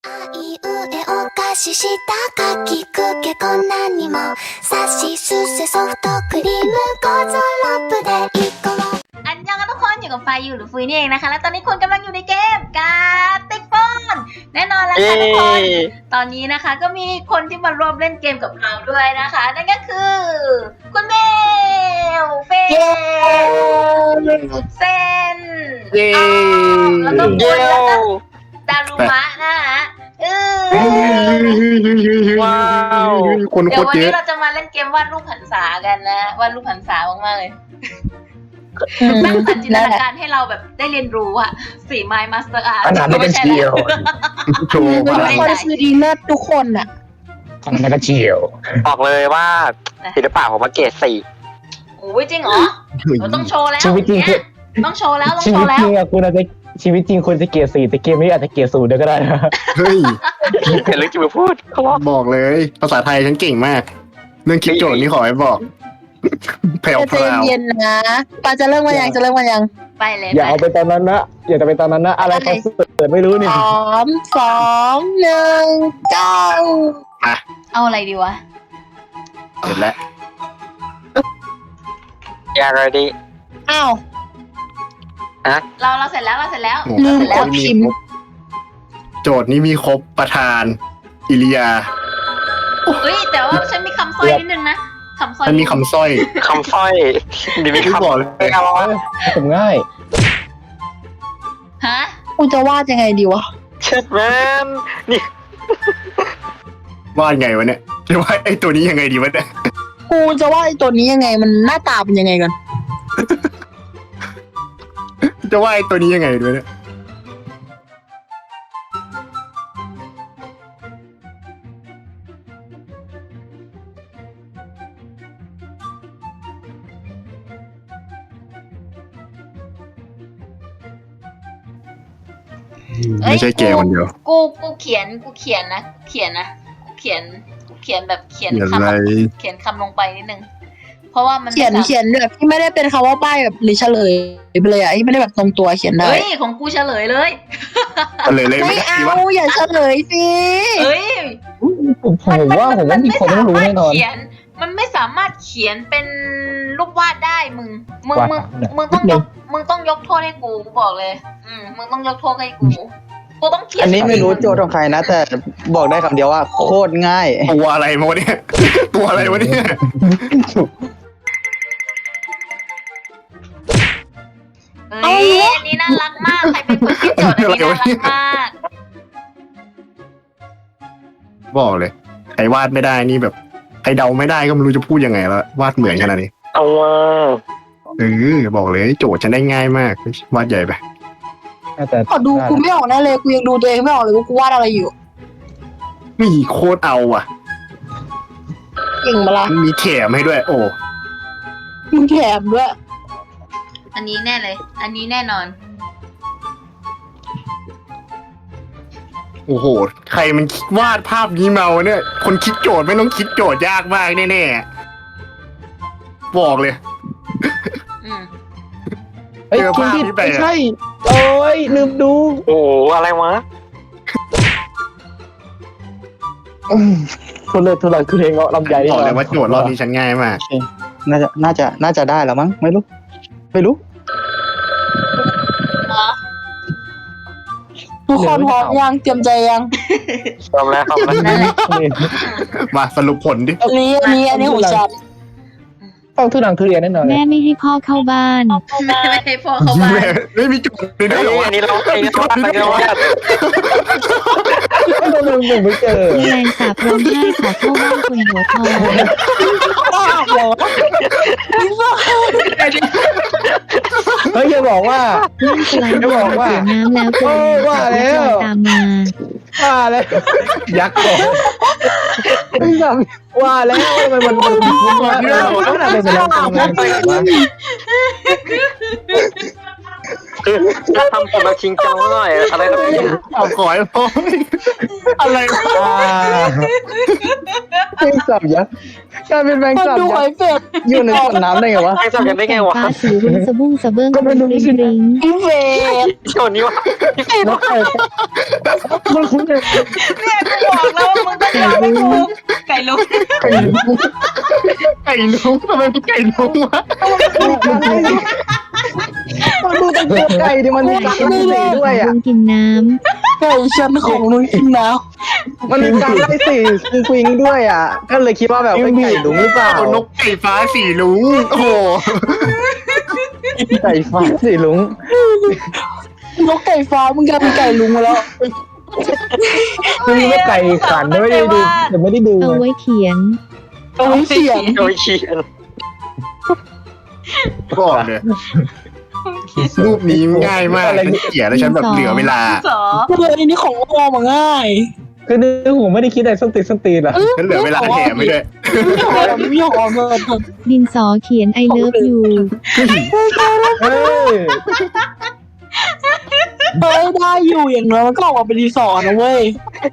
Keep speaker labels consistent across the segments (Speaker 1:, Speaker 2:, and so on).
Speaker 1: あいうえお菓子したかきくけこんなにもさしすせソフトクリームゴーゾロップで一個も
Speaker 2: อันยังกันทุกคนอยู่กับไฟอยู่หรือฟุยนี่เองนะคะและตอนนี้คุณกำลังอยู่ในเกมการติ๊กฟอนแน่นอนแล้วค่ะทุกคนตอนนี้นะคะก็มีคนที่มาร่วมเล่นเกมกับเราด้วยนะคะนั่นก็คือคุณเมลเฟเซนแล้วก็ปุ้ยแล้วก็ดารุมะนะคะ
Speaker 3: ว้าว
Speaker 4: คนโค
Speaker 2: เดี๋ยว
Speaker 4: ตร
Speaker 2: วัน
Speaker 4: เย
Speaker 2: นี้
Speaker 4: อะ
Speaker 2: เราจะมาเล่นเกมวาดรูปหันษากันนะวาดรูปหันษามากๆเลยสร้างสรรค์จินตนาการให้เราแบบได้เรียนรู้อะฝีไม้มาสเตอร์อาร์ต
Speaker 3: ขนาดนั้นก็เชียว
Speaker 4: โชว์
Speaker 5: ทุก
Speaker 4: มา
Speaker 5: คนคือดีเลิศทุกคนอ่ะ
Speaker 3: ขนาดนั้นก็เชียวบอกเลยว่าศิลปะผมมาเกรด4
Speaker 2: โอ้ยจริงเหรอเราต้องโชว์แล้ว
Speaker 3: ชีวิตจริง
Speaker 2: เนี่ยต้องโชว์แล้วต้อง
Speaker 3: ชี
Speaker 2: โช
Speaker 3: วิต
Speaker 2: ว์แล้
Speaker 3: จ
Speaker 2: ว
Speaker 3: ริงอะคุณอาจจะชีวิตจริงคนจะเกรด4แต่เกมนี้อาจจะเกรด0เดี๋ยวก็ได้นะ
Speaker 4: เฮ้ย
Speaker 3: เห็นเรื่องจะมาพูดเขาบอก
Speaker 4: บอกเลย ภาษาไทยฉันเก่งมาก เรื่องคิดโจทย์นี่ขอให้บอก แผ่ว
Speaker 5: ใจเย็นๆนะปาจะเริ่มวันยัง
Speaker 2: ไปเลย
Speaker 3: อย่าเอาไปตอนนั้นนะอย่าจะไปตอนนั้นนะอะไรเขาเปิดไม่รู้นี่
Speaker 5: 3 2 1 go
Speaker 2: เอาอะไรดีวะ
Speaker 4: เสร็จแล้ว
Speaker 3: อย่าเลยดิ
Speaker 5: อ้าว
Speaker 2: เราเสร็จแล้วเราเสร็จแล้ว
Speaker 4: โอ้
Speaker 5: ลืม
Speaker 4: โห
Speaker 5: กดพิมพ์
Speaker 4: โจทย์นี้มีครบประธาน อิริยา
Speaker 2: เฮ้ยแต่ว่าฉันมีคำสร้อยนิดนึงนะคำสร้อย
Speaker 4: มันมีคำสร้อย
Speaker 3: คำสร้อยดีไม่
Speaker 4: ที่
Speaker 3: คำ
Speaker 4: บอกเลย
Speaker 3: เอาวะผมง่าย
Speaker 2: ฮะ
Speaker 5: กูจะวาดยังไงดีวะ
Speaker 3: เช็ดแมนนี่
Speaker 4: วาดไงวะเนี่ยจะวาดไอ้ตัวนี้ยังไงดีวะเนี่ย
Speaker 5: กูจะวาดไอ้ตัวนี้ยังไงมันหน้าตาเป็นยังไงกัน
Speaker 4: จะวาดไอ้ตัวนี้ยังไงด้วยเนี่ยไม่ใช่แกคนเดียว
Speaker 2: กูเขียนนะเขียนแบบเขียน
Speaker 4: เขียน
Speaker 2: คำ
Speaker 4: อะไร
Speaker 2: เขียนคำลงไปนิดนึงเพราะว่ามัน
Speaker 5: เขียนแบบที่ไม่ได้เป็นคำว่าป้ายแบบหรือเฉลยไปเลยอ่ะที่ไม่ได้แบบตรงตัวเขียนได้
Speaker 2: เฮ้ยของกูเฉลยเลย
Speaker 4: เลยเลย
Speaker 5: ไม่
Speaker 4: ไม่ได้
Speaker 5: เอา
Speaker 4: ดีวะ
Speaker 5: อย่าเฉลยสิ
Speaker 2: เฮ้ย
Speaker 3: ผมว่ามีคนต้องรู้แน่นอน
Speaker 2: มันไม่สามารถเขียนเป็นรูปวาดได้มึง
Speaker 3: วาดเนี่ย
Speaker 2: มึงต้องยกโทษให้กูบอกเลย มึงต้องยกโทษให้กูต้องเขียน
Speaker 6: อันนี้ไม่รู้โจทย์ของใครนะ แต่บอกได้คำเดียวว่าโคตรง่าย
Speaker 4: ตัวอะไรมาวะเนี่ย ตัวอะไรวะเนี่ย
Speaker 2: เฮ้ยอันนี้น่ารักมากใครเป็นคนคิดโจทย์อันนี้น่ารักมาก
Speaker 4: บอกเลยใครวาดไม่ได้นี่แบบใครเดาไม่ได้ก็ไม่รู้จะพูดยังไงแล้ววาดเหมือนขนาดนี้
Speaker 3: เอาว่า
Speaker 4: บอกเลยโจทย์ฉันได้ง่ายมากวาดใหญ่ไป
Speaker 3: แต่
Speaker 5: ขอดูกูไม่ออกแน่เลยกูยังดูตัวเองไม่ออกเลยว่ากูวาดอะไรอยู่
Speaker 4: มีโคตรเอาอ่ะ
Speaker 5: เก่งมาละ
Speaker 4: มันมีแถมให้ด้วย โอ้
Speaker 5: มึงแถมด้วย
Speaker 2: อันนี้แน่เลย อันนี้แน่นอน
Speaker 4: โอ้โหใครมันวาดภาพนี้มาวะเนี่ย คนคิดโจทย์ไม่ต้องคิดโจทย์ยากมากแน่ๆบอกเลย
Speaker 3: เฮ้ย
Speaker 4: เจอ
Speaker 3: คุณ
Speaker 4: ภาพ
Speaker 3: ผิด
Speaker 4: นี้ไป
Speaker 3: ไม่
Speaker 4: อะ
Speaker 3: ใช่ โอ้ยลืมดู โอ้อะไรวะทุเรศทุรังคือเพลงเงาะลำไย
Speaker 4: บอกเลยว่าโจทย์รอบนี้ฉันง่ายมาก
Speaker 6: น่าจะได้แล้วมั้งไม่รู้
Speaker 5: ทุกคนพร้อมยังเตรียมใจยัง
Speaker 3: ทำแล้ว
Speaker 2: นั่นแหละ
Speaker 4: มาสรุปผลดิ
Speaker 5: อันนี้ของฉัน
Speaker 3: ต้องทุรังทุเรียนแน่นอน
Speaker 7: แม่ไม่ให้พ่อเข้าบ้าน
Speaker 2: ไม่ให้พ่อเข้าบ้าน
Speaker 4: ไม่มีโจทย์เลยนะ
Speaker 3: อันนี้เราเองก็ตั้งใจว่าผมไม่เจอ
Speaker 7: แมลงสาบร้องไห้ขอเข้าบ้านคนหัวทอง
Speaker 3: เฮ้ยอย่าบอกว่า
Speaker 7: นั่งสไลด์บนเสียน้ำแล้วตัว
Speaker 3: ว่าแล้ว
Speaker 7: ตามมา
Speaker 3: ว่าแล้วยักษ์ก่อนว่าแล้วมันว่าแล้วขนาดเป็นแล้วคือทำผมแบบชิงจังหน่อยอะไรครับเนี่ย
Speaker 4: เอาขอให้พ่ออะไรวะ
Speaker 6: แมงสาบยักษ์กลายเป็นแมง
Speaker 5: มัน
Speaker 6: สาบ
Speaker 5: ดู
Speaker 6: ยั
Speaker 5: หอก ย
Speaker 6: ษ์
Speaker 5: เป็ด
Speaker 6: อยู่ในสวนน้ำได้ไงวะ
Speaker 3: แม่งทำกันได้ไงวะ
Speaker 7: ฟ้าสีรุ้งสะบุ้งสะเบิ้ง
Speaker 6: ก็ไม่รู้สิ
Speaker 7: ริง
Speaker 5: พี่เป็ด
Speaker 3: โจนนี้วะ
Speaker 6: แล้วไก่มันคุ้นเลย
Speaker 2: เนี่ยกูบอกแล้วว่ามึงต้องยอมให้กูไก่ลุก
Speaker 4: ไก่ลุงทำไมเป็นไก่ลุงวะ
Speaker 6: มันดูตั้งตัวไก่ดิมันมีการไล่สีด้วย
Speaker 7: ลุ
Speaker 6: อ่ะ
Speaker 7: งกินน้
Speaker 5: ไก่ชั้นของลุงกินน้
Speaker 6: มันมีการไล่สีฟิงด้วยอ่ะ ก็เลยคิดว่าแบบเป็นไก่หลุมหรือเปล่า
Speaker 4: เอานกไก่ฟ้าสีลุงโอ้โห
Speaker 6: ไก่ฟ้าสีลุง
Speaker 5: ำนกไก่ฟ้ามึงกลายเป็นไก่ลุงมาแล้ว
Speaker 6: มันมีไก่ขันไม่ได้ดูแต่ไม่ได้ดู
Speaker 7: ำเอาไว้เขียน
Speaker 5: เอาไว้เสียง
Speaker 3: โดยเขียน
Speaker 4: บอกเลยรูปนี้ง่ายมากฉันเกลียดแล้วฉันแบบเหลือเวลา
Speaker 2: สอ
Speaker 5: เลยอันนี้ของโอมาง่าย
Speaker 6: คือนึกผมไม่ได้คิดอะไรส้นตีนอ่ะ
Speaker 4: ฉันเหลือเวลาแถมไม่ด้วย
Speaker 5: ไม่หอมเลย
Speaker 7: ดินสอเขียน I love you
Speaker 6: เฮ้ย
Speaker 5: เฮ้ยได้อยู่อย่างน้อยมันก็ออกมาเป็นรีสอร์ทนะเว้ย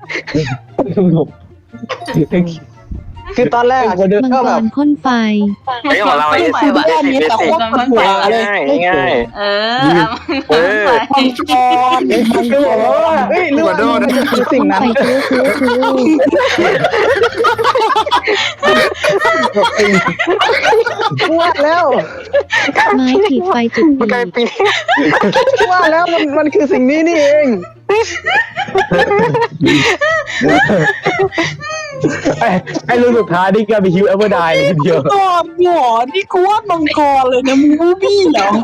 Speaker 6: คือตอนแรกอะ
Speaker 7: มัง
Speaker 6: ก็
Speaker 7: ก
Speaker 6: แบบ
Speaker 7: รพ่นไฟ
Speaker 3: ไอ้ของเราไอ้
Speaker 2: ไป
Speaker 3: สิบ
Speaker 2: ว่ะ
Speaker 5: แค่นี้แต่โคตรปวดหัวเลย
Speaker 3: ง่าย
Speaker 2: เออเอาไป
Speaker 5: มังกร
Speaker 6: คือบอกว่าเฮ้ยเรื่องมันคือสิ่งนั้น
Speaker 7: ไฟคือ
Speaker 6: ว่าแล้ว
Speaker 7: ไม้ขีดไฟจุด
Speaker 3: มัน
Speaker 7: ติ
Speaker 3: กลาย
Speaker 7: ด
Speaker 3: เป็นปี
Speaker 6: ว่าแล้วมันคือสิ่งนี้นี่เองไอ้รุ่นสุดท้ายนี่ก็มีฮิวเอเวอร์ไดเลยทีเดียว
Speaker 5: กอดหัวนี่กูว่ามังกรเลยนะมึงบูบี้เหรอ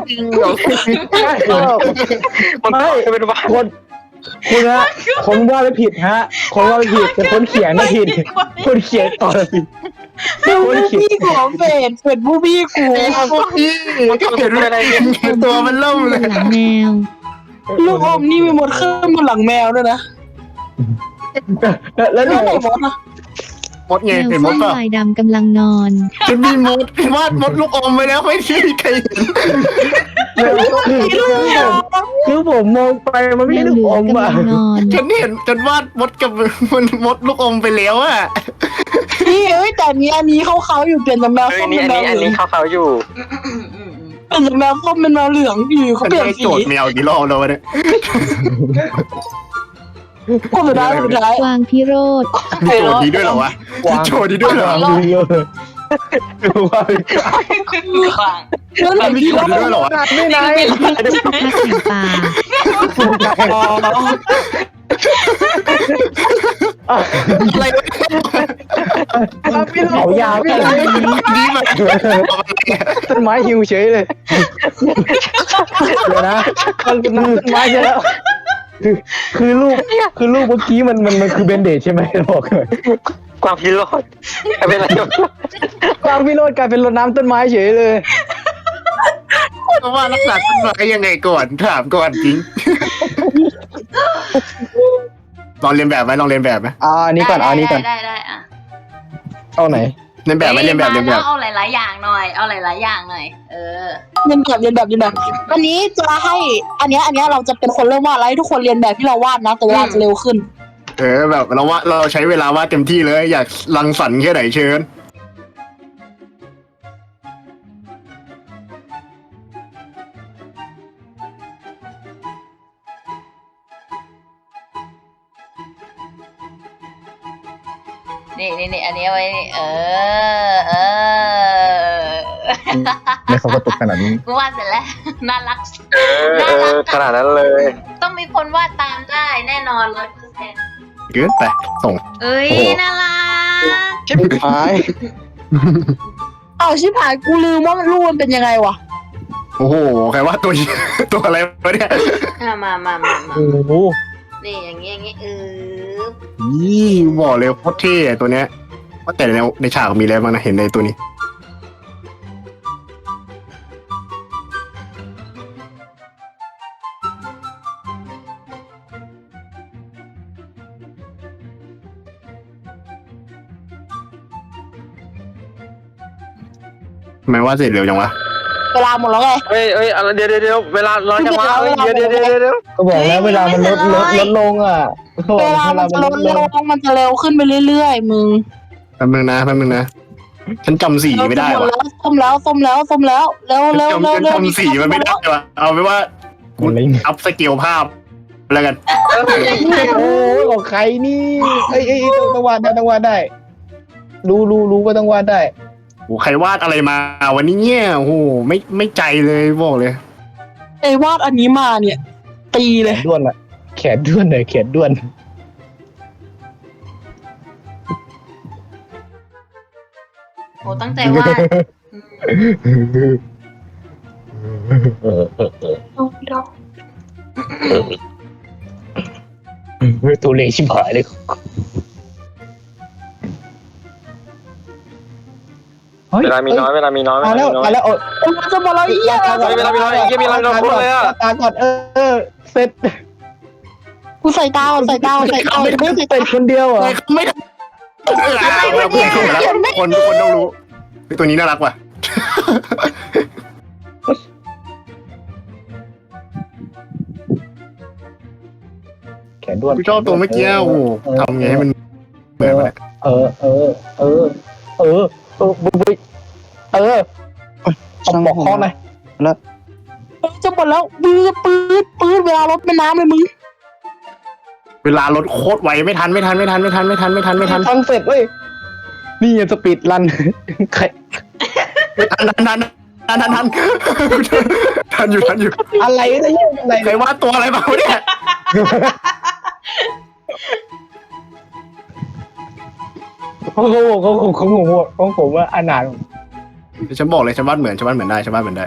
Speaker 3: มันกลายเป็นว่า
Speaker 6: คุณฮะคนว่าไม่ผิดฮะคนว่าไม่ผิดแต่คนเขียนไม่ผิดคนเขียนต่อผิด
Speaker 5: บูบี้ของเป็ดบูบี้กู
Speaker 4: พวกพี่ก็เห็นอะไรตัวมันเริ่มเลย
Speaker 7: หลังแมว
Speaker 5: ลูกอมนี่มีมดขึ้นบนหลังแมวด้วยนะ
Speaker 6: แล้ว
Speaker 5: แล้ว
Speaker 6: นี่
Speaker 5: ไหนมดอ่ะ
Speaker 4: มดไง
Speaker 7: แมว
Speaker 4: เห็นม
Speaker 7: ส้
Speaker 4: ด
Speaker 7: ม
Speaker 4: ป่ะ
Speaker 7: ลายดำกำลังนอน
Speaker 4: ฉันมีมดวาดมดลูกอมไปแล้วไม่ใช่ใครเห็น
Speaker 6: คือผมมองไปมัน
Speaker 7: แม
Speaker 6: ไม่
Speaker 7: ว
Speaker 6: ได้
Speaker 7: เหลือ
Speaker 6: อม
Speaker 7: กำ
Speaker 6: อ่ะ
Speaker 7: ลังนอน
Speaker 4: ฉันเห็นฉันวาดมดกับมดลูกอมไปแล้วอะ
Speaker 5: นี่เอ้ยแต่อันนี้เขาอยู่เปลี่ยนจากแมว
Speaker 3: เฮ้ย
Speaker 5: ส้ม
Speaker 3: นี่
Speaker 5: เป็น
Speaker 3: อัน
Speaker 5: แมวเหลื
Speaker 3: นี้
Speaker 5: อง
Speaker 3: เขาอยู่
Speaker 5: เปลี่ยนจากแมวส้มเป็นแมวเหลืองอยู่เขา
Speaker 4: ฉัน
Speaker 5: เปลี่ยน
Speaker 4: ได้
Speaker 5: สี
Speaker 4: โจทย์แมวกี่รอบแล้ววะเนี่ย
Speaker 5: คนสุดท้าย
Speaker 7: กวางพิโรธ
Speaker 4: โจทย์นี้ด้วยเหรอวะโจทย์นี้ด้วยเหรอ
Speaker 6: ดูเยอะว่า
Speaker 2: ขวาง
Speaker 5: แล้วไหน
Speaker 4: มี
Speaker 5: พี่
Speaker 4: โจทย์นี้ด้วยเหรอวะ
Speaker 6: ไม่ไหน
Speaker 7: พักแห่งป่า
Speaker 4: อะไรวะ
Speaker 6: เขายาวกัน
Speaker 4: นี่มัน
Speaker 6: ต้นไม้หิวเฉยเลยเดี๋ยวนะมันเป็นต้นไม้ใช่แล้วคือลูกเมื่อกี้มันคือเบนเดชใช่ไหมบอกเลย
Speaker 3: กวางพิโรธเป็นอะไร
Speaker 6: กวางพิโรธกลายเป็นรดน้ำต้นไม้เฉยเลย
Speaker 4: เพราะว่ารักษาต้นไม้ยังไงก่อนถามก่อนจริงลองเรียนแบบไหมลองเรียนแบบไหม
Speaker 6: อันนี้ก่อนอันนี้ก่อน
Speaker 2: ได้อ่ะ
Speaker 6: เอาไหน
Speaker 4: เรียนแบบไหมเรียนแบบเรียนแบบ
Speaker 2: เอาหลายๆอย่างหน่อย เอาหลายๆอย่างหน่อย เออ
Speaker 5: เรียนแบบอันนี้จะให้อันเนี้ยเราจะเป็นคนเริ่มวาดแล้วให้ทุกคนเรียนแบบที่เราวาดนะแต่เวลาจะเร็วขึ้น
Speaker 4: แบบเราใช้เวลาวาดเต็มที่เลยอยากรังสรรค์แค่ไหนเชิญ
Speaker 2: นี่อันนี้ไว้นี่เออ
Speaker 6: ไม่เขาก็ตกขนาดนี้
Speaker 2: กูวาดเสร็จแล้ว น่ารัก
Speaker 3: ขนาดนั้นเลย
Speaker 2: ต้องมีคนวาดตามได้แน่นอน100%
Speaker 4: เกินไปส่ง
Speaker 2: เอ้ยน่ารัก
Speaker 6: ชิบหาย
Speaker 5: เอาชิบหายกูลืมว่ามันรูปมันเป็นยังไงวะ
Speaker 4: โอ้โหใครว่าตัว ตัวอะไรวะเนี่ย
Speaker 2: มา
Speaker 6: โอ้โห
Speaker 2: นี่อย่างงี้
Speaker 4: นี่บอกเลยโคตรเท่ตัวเนี้ยว่าแต่ในฉากมีอะไรบ้างนะเห็นในตัวนี้ ทำไมว่าเสร็จเร็วจังวะ
Speaker 5: เวลาหมดแล้วไง
Speaker 3: เฮ้ยเดี๋ยวเวลาร้อนจังวะเดี๋ยว
Speaker 6: ก็บอกแล้วเวลามันลดลงอ่ะ
Speaker 5: เวลามันจะลดเร็วมันจะเร็วขึ้นไปเรื่อยๆมึง
Speaker 4: แป๊บนึงนะฉันจำสีไม่ได้ว่ะ
Speaker 5: ส้มแล้วเร็ว
Speaker 4: ฉันจำสีมันไม่ได้ว่ะเอาไปว่ากูอัพสเกลภาพแล้วกัน
Speaker 6: โอ้ของใครนี่เอ้ยต้องวาดได้รู้ก็ต้องวาดได้
Speaker 4: โอ้ใครวาดอะไรมาวันนี้เนี่ยโอ้โหไม่ใจเลยบอกเลย
Speaker 5: ไอ้วาดอันนี้มาเนี่ยตีเลย
Speaker 6: ด้วนอะแขนด้วนเลยแขนด้วน
Speaker 2: โอ้ตั้งใจวาด
Speaker 6: ตัวเล็กชิบหายเลย
Speaker 3: เวลามีน้อย
Speaker 6: มาแล้ว
Speaker 5: มันจะมาแล้วอีกอย่าง
Speaker 3: เวลามีน้อยยังมีเราพูดเลยอ่ะ
Speaker 6: ตาก่อนเสร็จ
Speaker 5: กูใส่ตา
Speaker 6: เป็นคนเดียวเหรอ
Speaker 4: ไม่ได้เพื่อนเข้ามาแล้วคนทุกคนต้องรู้ตัวนี้น่ารักว่ะ
Speaker 6: แขนด้วน
Speaker 4: กูชอบตัวเมื่อกี้โอ้โหทำไงให้มันเหมือนมัน
Speaker 6: เอาหมอกคอหน่อย
Speaker 5: จะหมดแล้วปืดเวลารถเป็นน้ำเลยมึง
Speaker 4: เวลารถโคตรไวไม่ทัน
Speaker 6: ทำเสร็จเว้ยนี่สปีดรันใคร
Speaker 4: ทันอยู่
Speaker 6: อะไรเนี่ยอะไร
Speaker 4: ใครวาดตัวอะไรมาวะเนี่ย
Speaker 6: ของผมว่าอนาถ
Speaker 4: ฉันบอกเลยฉันวาดเหมือนได้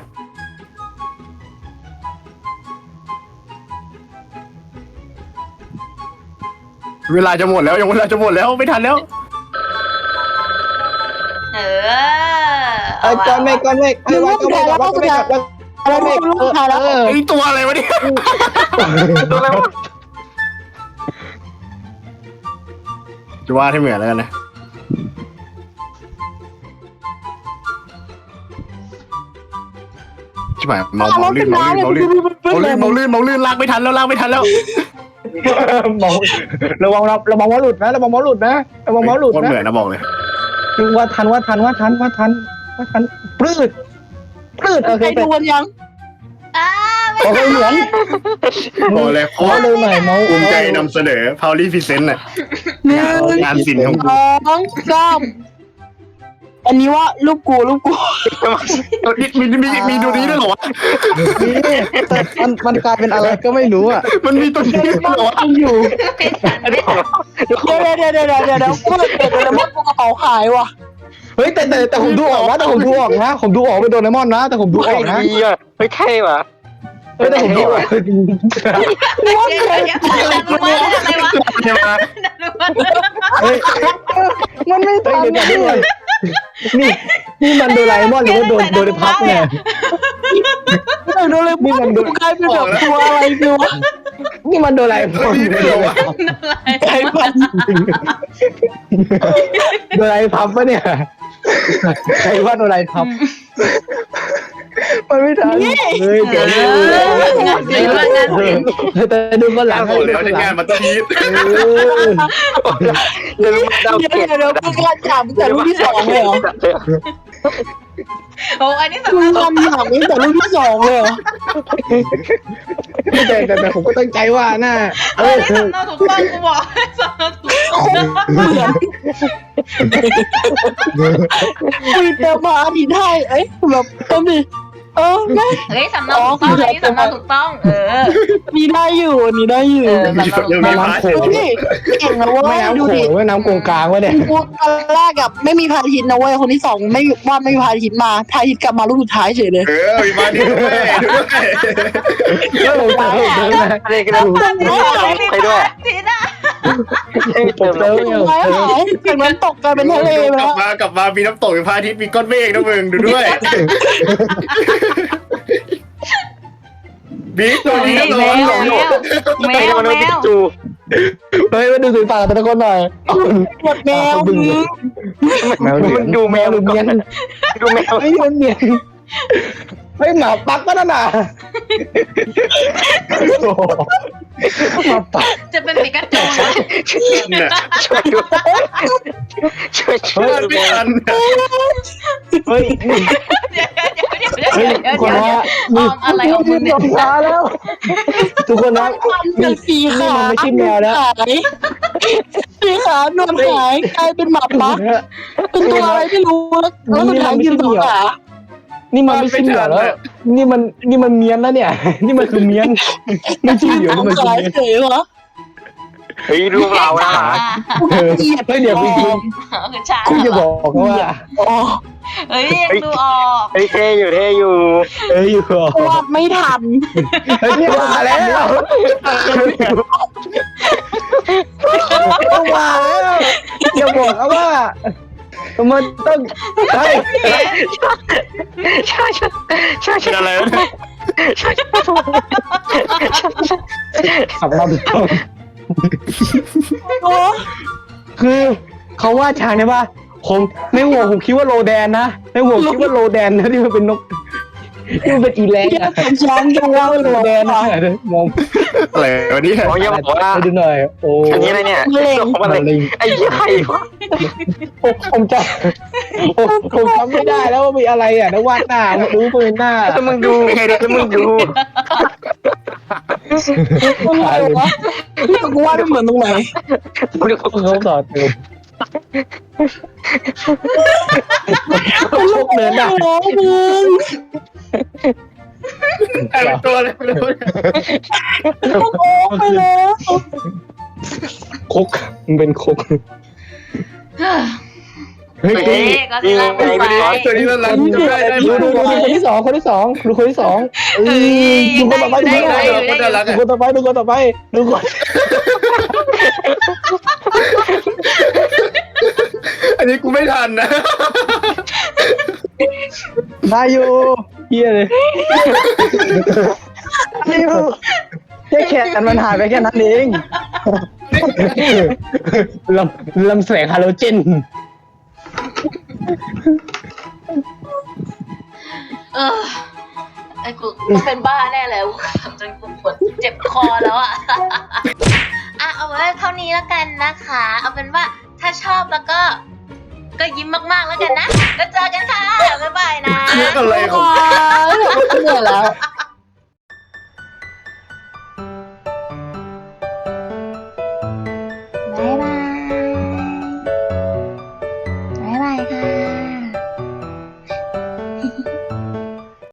Speaker 4: เวลาจะหมดแล้วไม่ทันแล้ว
Speaker 2: เอา
Speaker 6: ก้อนเมฆไอ้
Speaker 4: ตัวอะไรวะเนี่ยจะวาดให้เหมือนแล้วกันนะใช่ไหมเมาลื่นลากไม่ทันแล้ว
Speaker 6: ระวังมอหลุดนะระวังมอหลุดนะ
Speaker 4: คนเหมือนนะบอกเลย
Speaker 6: ว่าทันปลื้ดโอเค
Speaker 5: ใครดูกันยัง
Speaker 6: โอเคเหมือน
Speaker 4: บอกเลย
Speaker 6: ขอเลยหน่อยเมา
Speaker 4: ภูมิใจนำเสนอ Powerly Present น่ะ งานศิลป์ของกู
Speaker 5: อันนี้ว่าลูกกู
Speaker 4: มีตัวนี้ด้วยเหรอวะ
Speaker 6: มันกลายเป็นอะไรก็ไม่รู้อ่ะ
Speaker 4: มันมีตัวนี้ด้วยเหรอวะ
Speaker 5: อยู่เดี๋ยวพูดเดี๋ยวมดกูกระเป๋าขายว่ะ
Speaker 6: เฮ้ยแต่ผมดูออกนะผมดูออกเป็นโดเรมอนนะแต่ผมดูออกนะ
Speaker 3: ดีอ่ะเฮ้ยเท่ว่ะ
Speaker 6: แต่ผมดูออก เฮ้ยมันไม่ทันนี่มันโดราเอมอนหรือว่าโดนพับเนี่ย
Speaker 5: โดนเลยมึงกูกลายเป็นแบบตัวอะไรกูวะ
Speaker 6: นี่มันโดราเอมอนโดราเอพับปะเนี่ยใครว่าโดราเอพับมันไม่ทันเลยเดี๋ยวแต่ดูคนหลัง
Speaker 4: โอ้โหแล้วจะงานมันต้องยีด
Speaker 5: เดี๋ยวกูกำลังถามแต่รุ่นที่สองเลยเหรอ
Speaker 2: โอ้อันนี้
Speaker 5: กูทำอย่างนี้แต่รุ่นที่สองเลยเหรอ
Speaker 6: แต่ผมก็ตั้งใจว่าน่า
Speaker 2: สำเนาถูกต้องกูบอกสำเนาถูกต้อง
Speaker 5: เหมือนคุยเติมมาอดีตให้เอ้ยแบบเติมดิแม่
Speaker 2: เฮ้ยสำเนาถูกต้องอันนี้สำเนาถูกต้อง
Speaker 5: นี่ได้อยู่
Speaker 4: ยังมีพาร์ท
Speaker 5: ดูดิเก่งนะเว้
Speaker 6: ไม่
Speaker 5: ย
Speaker 6: น้ำ
Speaker 5: ดู
Speaker 6: โข
Speaker 5: ดิ
Speaker 6: งไม่น้ำกงกลางวะเนี่ย
Speaker 5: กูตอนแรกกับไม่มีพาทิตนะเว้ยคนที่สองไม่มีพาทิตมาพาทิตกลับมาลูกสุดท้ายเฉยเลย
Speaker 4: มีมาดีด้วย
Speaker 3: อะไรกันดูใครด้วย
Speaker 2: ทีน่ะ
Speaker 6: ผมเติม
Speaker 5: หายจากนั้นตกกลายเป็นทะเลไปแล้ว
Speaker 4: กลับมามีน้ำตกมีพระอาทิตย์มีก้อนเมฆนะมึงดูด้วยบิ๊กตัวนี้ก็ร้อนหลง
Speaker 2: แมว
Speaker 6: เฮ้ยมาดูสีฟ้าแต่ละคนหน่อย
Speaker 5: หมดแมวมึง
Speaker 6: มันดูแมวหรือเมียน
Speaker 3: ดูแมว
Speaker 6: ไอ้มันเมียนเฮ้ยหมาปักก็นั่นน่ะโอ้โหหมาปัก
Speaker 2: จะเป็นปิกาจูนะ
Speaker 4: เนี่ย
Speaker 3: ช่วยด้วยช่วย
Speaker 6: เฮ้ย
Speaker 4: ไม่ทัน
Speaker 6: เฮ้ย
Speaker 2: เดี๋ยว
Speaker 6: เฮ้ยทุกคนนะ
Speaker 2: ออมอะไรของมึงเนี่ย
Speaker 6: ลงมาแล้ว ทุกคนนะ
Speaker 5: เป็นสีขา
Speaker 6: มันไม่ใช่แมวแล้ว
Speaker 5: หายสีขานวลหายกลายเป็นหมาปักเป็นตัวอะไรไม่รู้แล้วสุดท้ายยืนสองขา
Speaker 6: นี่มันไม่ใช่เหมียวแล้ว นี่มันเมียนแล้วเนี่ย นี่มันคือเมียน ไม่ใช่เหมียวนี่มันคือ
Speaker 5: ขาย
Speaker 6: เมียน
Speaker 5: เฉยวะ
Speaker 3: เฮ้ยลูกเรานะ
Speaker 6: เออเฮ้ยเดี๋ยวจริง
Speaker 2: คือช้าง
Speaker 6: ๆคุณจะบอกว่า
Speaker 5: อ๋อ
Speaker 2: เฮ้ยยังดูออก
Speaker 3: เฮ้ยเท่อยู่
Speaker 6: เอ้ยอยู่เหรอ
Speaker 5: วาดไม่ทัน
Speaker 6: เฮ้ยเนี่ยมาแล้วมาแล้วอย่าบอกนะว่ามันต้องใช่
Speaker 4: เป็นอะไรวะเนี่ย
Speaker 6: ขับมาถูกต้อง
Speaker 5: โอ้
Speaker 6: คือเขาว่าช้างเนี่ยว่าผมในหัวผมคิดว่าโลแดนนะในหัวคิดว่าโลแดนนะที่มันเป็นนกที่มันเป็นอีแรง
Speaker 5: ย
Speaker 6: อะ
Speaker 5: เป็นช้างยังว่า
Speaker 6: โลแดนนะมอง
Speaker 4: อะไรวะเนี่ย
Speaker 3: ๆผมยังบอกว่า
Speaker 6: ไปดูหน่อยโอ้
Speaker 3: อันนี้อะไรเนี่ยอะไรไอ้ยี่ไข่วะ
Speaker 6: ผมจำไม่ได้แล้วว่ามีอะไรอ่ะแล้ววาดหน้ารู้เป็นหน้า
Speaker 3: แล้วมึงดูแล้วมึงดู
Speaker 5: ตรงไหนวะกูว่าไม่เหมือนตรงไหน
Speaker 6: เขาต่อเติมพวกเนินอ่ะ
Speaker 5: โอ้มึง
Speaker 4: กลายเป็นตัวอะไรไม่รู้
Speaker 5: โอ้ไปแล้ว
Speaker 6: คกมันเป็นคกเฮ้ย
Speaker 2: เฮ้ยก็สิล่าเป็นไฟ
Speaker 4: ตัวนี้มันรันได้ได้
Speaker 6: ดูคนที่สองดูคนที่สองดูคนต่อไปดูคนต่อไปดูคนต่อไป
Speaker 4: อันนี้กูไม่ทันนะ
Speaker 6: ได้อยู่เฮียเลยได้อยู่แค่แขนมันหายไปแค่นั้นเองลำแสงฮาโลเจน
Speaker 2: ไอ้กูเป็นบ้าแน่เลยจนกูปวดเจ็บคอแล้วอ่ะเอาไว้เท่านี้แล้วกันนะคะ เอาเป็นว่าถ้าชอบแล้วก็ยิ้มมากๆแล้วกันนะแล้วเจอกันค่ะบ๊ายบายนะ
Speaker 4: อะไรของ
Speaker 5: เหนื่อยแล้ว